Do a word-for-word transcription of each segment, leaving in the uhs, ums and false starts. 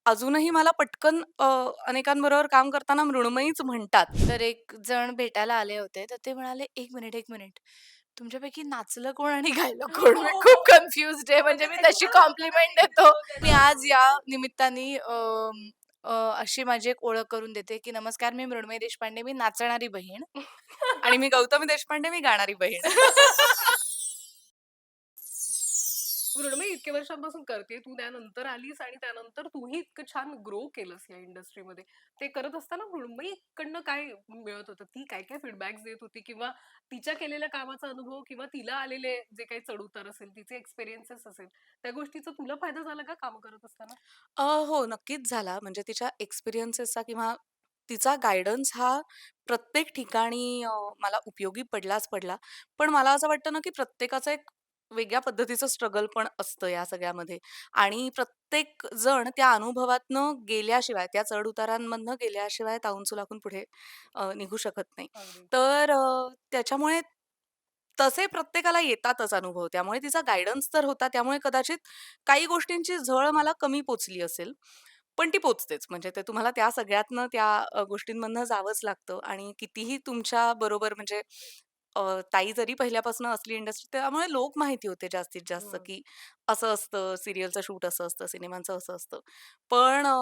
अजूनही मला पटकन अ, अनेकांबरोबर काम करताना मृण्मयीच म्हणतात. तर एक जण भेटायला आले होते, तर ते म्हणाले, "एक मिनिट, एक मिनिट. तुमच्यापैकी नाचलं कोण आणि गायलं कोण?" मी खूप कन्फ्युज्ड आहे. म्हणजे मी तशी कॉम्प्लिमेंट देतो. मी आज या निमित्ताने अं, अ, अशी माझी एक ओळख करून देते, की नमस्कार, मी मृण्मयी देशपांडे, मी नाचणारी बहीण. आणि मी गौतमी देशपांडे, मी गाणारी बहीण. मृण्मयी इतक्या वर्षांपासून करते. तू त्यानंतर आलीस आणि त्यानंतर तूही इतकं छान ग्रो केलंस या इंडस्ट्रीमध्ये. ते करत असताना मृण्मयीकडनं काय मिळत होतं? ती काय-काय फीडबॅक्स देत होती किंवा तिच्या केलेल्या कामाचा अनुभव किंवा तिला आलेले जे काही चढ-उतार असेल, तिचे एक्सपिरियन्सेस असेल, त्या गोष्टीचा तुला फायदा झाला का काम करत असताना? अ, हो, नक्कीच झाला. म्हणजे तिच्या एक्सपिरियन्सेसचा किंवा तिचा गाईडन्स हा प्रत्येक ठिकाणी अ, मला उपयोगी पडलाच पडला. पण मला असं वाटतं ना, की प्रत्येकाचं एक वेगळ्या पद्धतीचं स्ट्रगल पण असतं या सगळ्यामध्ये आणि प्रत्येक जण त्या अनुभवातनं गेल्याशिवाय, त्या चढ-उतारांमधनं गेल्याशिवाय तावून सुलाखून पुढे अ, निघू शकत नाही. अगदी. तर अ, त्याच्यामुळे तसे प्रत्येकाला येतातच अनुभव. त्यामुळे तिचा गाईडन्स तर होता. त्यामुळे कदाचित काही गोष्टींची झळ मला कमी पोचली असेल. पण ती पोचतेच. म्हणजे ते तुम्हाला त्या सगळ्यातनं त्या अ, गोष्टींमधनं जावंच लागतं आणि कितीही तुमच्या बरोबर म्हणजे अ, ताई जरी पहिल्यापासून असली इंडस्ट्री त्यामुळे लोक माहिती होते जास्तीत जास्त, हं. की असं असतं, सीरियलचं शूट असं असतं, सिनेमांचं असं असतं. पण अ,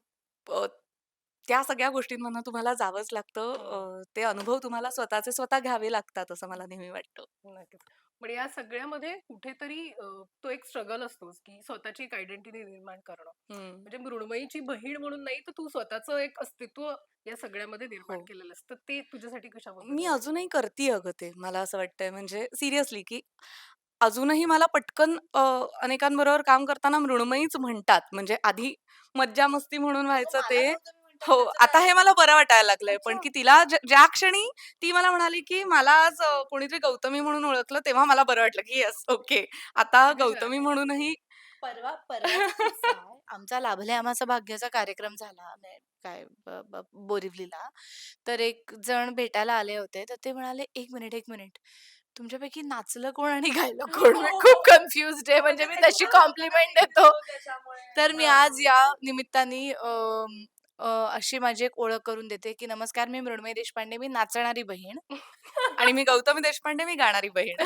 अ, त्या सगळ्या गोष्टींमधनं तुम्हाला जावंच लागतं. हं. अ, ते अनुभव तुम्हाला स्वतःचे स्वतः घ्यावे लागतात असं मला नेहमी वाटतं. नक्कीच. पण या सगळ्यामध्ये कुठेतरी अ, तो एक स्ट्रगल असतोच, की स्वतःची एक आयडेंटिटी निर्माण करणं. हं. म्हणजे मृण्मयीची बहीण म्हणून नाही, तर तू स्वतःचं एक अस्तित्व या सगळ्यामध्ये निर्माण हो. केलेलं असतं. ते तुझ्यासाठी कशा मी पद्धतीने? अजूनही करतीये अगं ते. मला असं वाटतंय म्हणजे सिरियसली, की अजूनही मला पटकन अ, अनेकांबरोबर काम करताना मृण्मयीच म्हणतात. म्हणजे आधी मज्जा-मस्ती म्हणून अगं व्हायचं मला ते. गौतमी म्हणतात हो, त्याचं आता काय? हे मला बरं वाटायला लागलंय. पण अच्छा. की तिला ज ज्या क्षणी ती मला म्हणाली, की मला आज अ, कोणीतरी गौतमी म्हणून ओळखलं, तेव्हा मला बरं वाटलं, की येस ओके. आता किती छान. गौतमी म्हणूनही परवा परवाचा किस्सा आहे. आमचा लाभले आम्हाचा भाग्याचा कार्यक्रम झाला. म्हणजे काय ब ब बोरिवलीला. तर एक जण भेटायला आले होते. तर ते म्हणाले, "एक मिनिट, एक मिनिट. तुमच्यापैकी नाचलं कोण आणि गायलं कोण?" मी खूप कन्फ्युज्ड आहे. म्हणजे मी तशी कॉम्प्लिमेंट देतो. तर मी आज या निमित्ताने अ, अ, अशी माझी एक ओळख करून देते, की नमस्कार, मी मृण्मयी देशपांडे, मी नाचणारी बहीण. आणि मी गौतमी देशपांडे, मी गाणारी बहीण.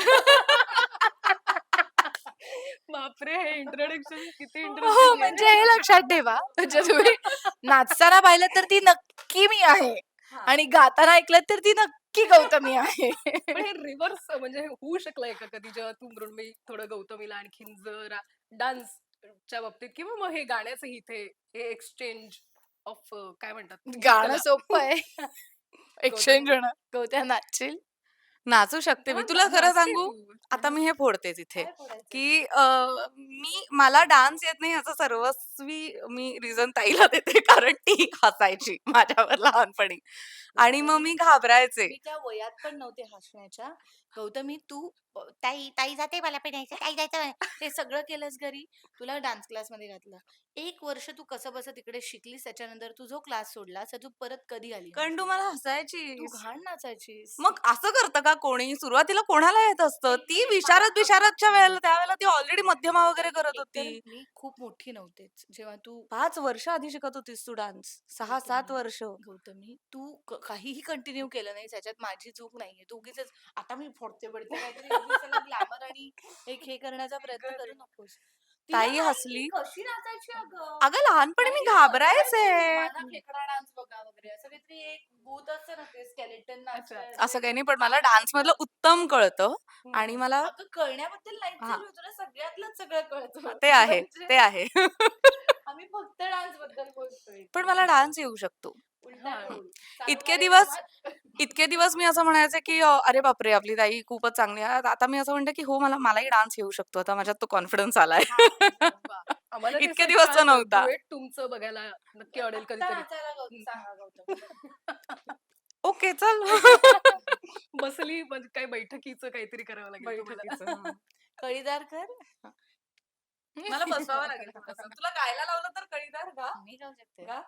बापरे! हे इंट्रोडक्शन किती हो, इंटरेस्टिंग म्हणजे आहे. हे लक्षात ठेवा. म्हणजे तुम्ही नाचताना पाहिलं तर ती नक्की मी आहे आणि गाताना ऐकलं तर ती नक्की गौतमी आहे. पण हे रिव्हर्स म्हणजे होऊ शकलंय का कधी जेव्हा तू मृण्मयी थोडं गौतमीला आणखीन जरा डान्सच्या बाबतीत किंवा मग हे गाण्याचंही इथे हे एक्सचेंज ऑफ काय म्हणतात ती गाणं कला. सोपं आहे. गौतमी एक्सचेंज होणं. गौत्या नाचशील? नाचू शकते मी. हां, ना तुला खरं नाचते सांगू, तू. आता हां. मी हे फोडतेच इथे, काय फोडायचंय? की अ, मी मला डान्स येत नाही याचं सर्वस्वी मी रिझन ताईला देते. कारण ती हसायची माझ्यावर लहानपणी आणि मग गौतमी, मी घाबरायचे. मी त्या वयात पण नव्हते हसण्याच्या. गौतमी तू अ, ताई, ताई जाते मला पण यायचं, ताई जायचं. ते सगळं केलंस घरी. तुला डान्स क्लासमध्ये घातलं. एक वर्ष तू कसंबसं तिकडे शिकलीस. त्याच्यानंतर तू जो क्लास सोडलास, तर तू परत कधी आली कारण तू नाचायला? मला तू हसायचीस. घाण नाचायचीस. मग असं करतं का कोणी? सुरुवातीला कोणाला येत असतं? ती एकतर मला विशारद-विशारदच्या वेळेला त्यावेळेला ती ऑलरेडी मध्यमा वगैरे करत एकतर होती. मी खूप मोठी नव्हतेच. जेव्हा तू पाच वर्ष आधी शिकत होतीस तू डान्स. सहा सात गौतमी, वर्ष. गौतमी तू क काहीही कंटिन्यू केलं नाहीस ह्याच्यात माझी चूक नाहीये. तू उगीचच आता मी फोडते-बिडते काहीतरी उगीच त्याला ग्लॅमर आणि एक हे करण्याचा आई प्रयत्न गं करू देवा! नकोस. तिला ताई नाही ती हसली. कशी नाचायची अगं. अगं लहानपणी मी काहीतरी घाबरायचे. बदलायची. माझा खेकडा डान्स बघा वगैरे असं काहीतरी एक भूत असतं ना ते स्केलेटन अच्छा. नाचतं असं ते काही नाही, पण मला डान्समधलं आतलं. उत्तम कळतं हं, आणि हं. मला अगं कळण्याबद्दल नाहीच हां, चालू आहे. तुला सगळ्यातलंच सगळं कळतं. ते आहे, म्हणजे ते आहे. आम्ही फक्त डान्स बद्दल बोलतोय पण इथे. मला डान्स येऊ शकतो. उलटा हां. हं. रोल. इतके सारोगारे दिवस गावात. इतके दिवस मी असं म्हणायचे, की अ, "अरे बापरे! आपली ताई खूपच चांगली आहे." आता मी असं म्हणते, की "हो, मला मलाही डान्स येऊ शकतो." आता माझ्यात तो कॉन्फिडन्स आलाय. हां, म्हणजे वाह! आम्हाला इतके त्याचं एक दिवसचा छान नव्हता. डुएट तुमचं बघायला नक्की आवडेल आत्ता कधीतरी. नाचायला गौ हं. सांगा गौतमी. ओके, चल. बसली म्हणजे काय बैठकीचं काहीतरी करावं लागेल तुम्हाला. बैठकीचं. हां. कळीदार कर. मला बसवावं लागेल थोडंसं. तुला गायला लावलं तर कळीदार गा. मी गाऊ शकते. गा.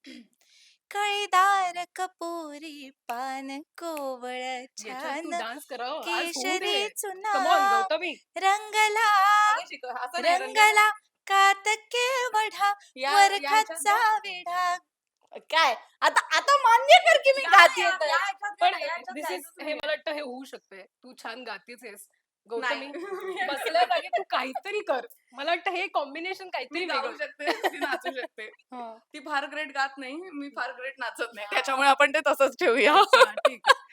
कळीदार कपोरी पान कोवळ याच्यावर तू छान डान्स करावं. आज होऊ दे. केशरी कम ऑन चुनाव गौतमी. रंगला अगं शिकव. असं नाही रंगला. रंगला कात केवढा या या ह्याच्यात वरखाचा गा. वेढा. काय आता आता मान्य कर की मी गा गाते ना यार, या ह्याच्यात गा पण ना, या ह्याच्यात दिस इज गायचंच हे नाहीये. मला वाटतं हे होऊ शकतंय. तू छान गातेच आहेस. नाही. गौतमी बसल्या जागी तू काहीतरी कर. मला वाटतं हे कॉम्बिनेशन मी काहीतरी गाऊ वेगळं. शकते, ती नाचू शकते. हां. ती फार ग्रेट गात नाही, मी फार ग्रेट नाचत नाही. त्याच्यामुळे आपण ते तसंच ठेवूया. अच्छा, ठीक आहे.